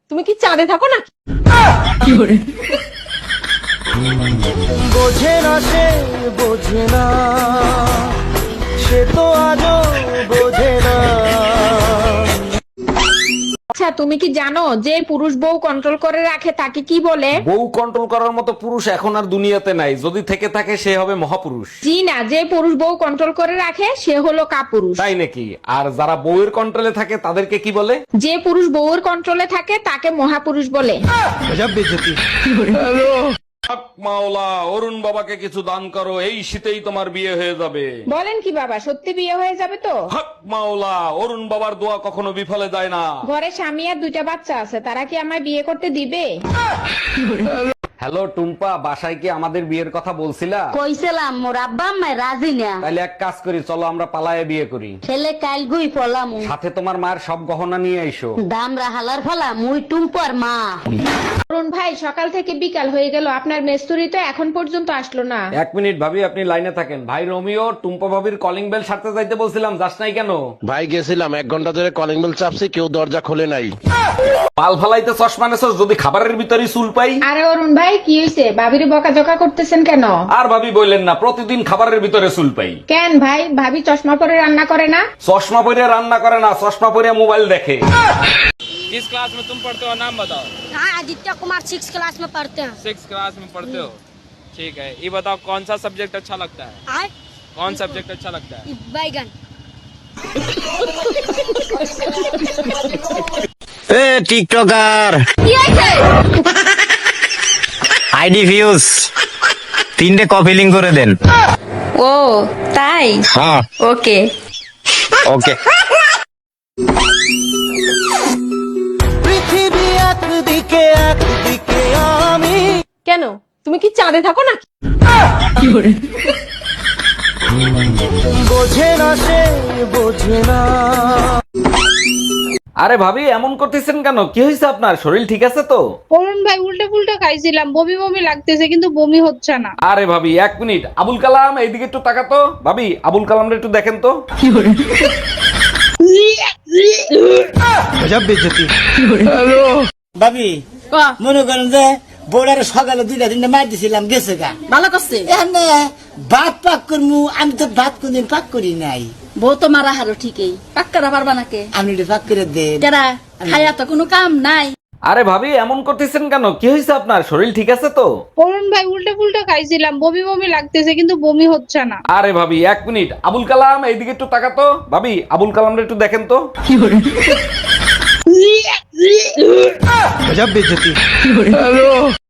তুমি কি চাঁদে থাকো না? বোঝে না সে, বোঝে না সে তো আজও বোঝে না। আচ্ছা, তুমি কি জানো যে পুরুষ বউ কন্ট্রোল করে রাখে তাকে কি বলে? বউ কন্ট্রোল করার মতো পুরুষ এখন আর দুনিয়াতে নাই, যদি থেকে থাকে সে হবে মহাপুরুষ। জি না, যে পুরুষ বউ কন্ট্রোল করে রাখে সে হলো কাপুরুষ। তাই নাকি? আর যারা বউয়ের কন্ট্রোলে থাকে তাদেরকে কি বলে? যে পুরুষ বউয়ের কন্ট্রোলে থাকে তাকে মহাপুরুষ বলে। হক মাওলা, অরুণ বাবাকে কিছু দান করো, এই শীতেই তোমার বিয়ে হয়ে যাবে। বলেন কি বাবা, সত্যি বিয়ে হয়ে যাবে তো? হক মাওলা, অরুণ বাবার দোয়া কখনো বিফলে যায় না। ঘরে স্বামী আর 2টা বাচ্চা আছে, তারা কি আমায় বিয়ে করতে দিবে? হ্যালো টুম্পা, বাসায় কি আমাদের বিয়ের কথা বলছিলা? কইছিলাম মোর আব্বা আম্মা রাজি না। তাইলে এক কাজ করি, চলো আমরা পালায়ে বিয়ে করি। ছেলে কাল গুই ফলাম সাথে তোমার মায়ের সব গহনা নিয়ে আইসো। দাম রাহালার ফলা মুই টুম্পর মা। অরুণ ভাই, সকাল থেকে বিকাল হয়ে গেল, আপনার মেস্তুরি তো এখন পর্যন্ত আসলো না। 1 মিনিট ভাবি, আপনি লাইনে থাকেন। ভাই রোমিও, টুম্পা ভাবির কলিং বেল সারতে যাইতে বলছিলাম, যাস নাই কেন? ভাই গেছিলাম, 1 ঘন্টা ধরে কলিং বেল চাপছি, কেউ দরজা খোলে নাই। পাল ফালাইতে চশমা নেছস, যদি খাবারের ভিতরে চুল পাই। আরে অরুণ ভাই, কি হয়েছে? ভাবিরে বকাঝকা করতেছেন কেন? আর ভাবি বললেন না, প্রতিদিন খাবারের ভিতরে চুল পাই। কেন ভাই, ভাবি চশমা পরে রান্না করে না? চশমা পরে রান্না করে না, চশমা পরে মোবাইল দেখে। किस क्लास में तुम पढ़ते हो, नाम बताओ। हाँ, आदित्य कुमार 6 क्लास में पढ़ते हैं। 6 क्लास में पढ़ते हो, ठीक है। ये बताओ कौन सा सब्जेक्ट अच्छा लगता है? आय कौन सब्जेक्ट अच्छा लगता है? बैगन। এ টিকটকার আইডি ভিউজ 3টে কপি লিঙ্ক করে দেন। ও তাই, হ্যাঁ ওকে। ওকে। পৃথিবী একদিকে, একদিকে আমি। কেন, তুমি কি চাঁদে থাকো না? বোঝে না সে, বোঝে না। আরে ভাবি, এমন করতেছেন কেন? কি হয়েছে আপনার? শরীর ঠিক আছে তো? অরুণ ভাই, উল্টে পুল্টে খাইছিলাম, বমি বমি লাগতেছে, কিন্তু বমি হচ্ছে না। আরে ভাবি 1 মিনিট, আবুল কালাম এইদিকে একটু তাকাতো। ভাবি, আবুল কালামরে একটু দেখেন তো। ভাবি মনে করেন যে বোর্ডারে সকালে 2টা-3টা মার দিছিলাম, গেছে গা, ভালো করছে। এখানে ভাত পাক করমু, আমি তো ভাত কোনদিন পাক করি নাই। বউ তো মারা হারো ঠিকই, পাক করা পারবা নাকে? আপনি একটু পাক করে দেন। কেরা খায়া তো কোনো কাম নাই। আরে ভাবি, এমন করতেছেন কেন? কি হয়েছে আপনার? শরীর ঠিক আছে তো? অরুণ ভাই, উল্টে পুল্টে খাইছিলাম, বমি বমি লাগতেছে, কিন্তু বমি হচ্ছে না। আরে ভাবি 1 মিনিট, আবুল কালাম এইদিকে একটু তাকাতো। ভাবি, আবুল কালামরে একটু দেখেন তো।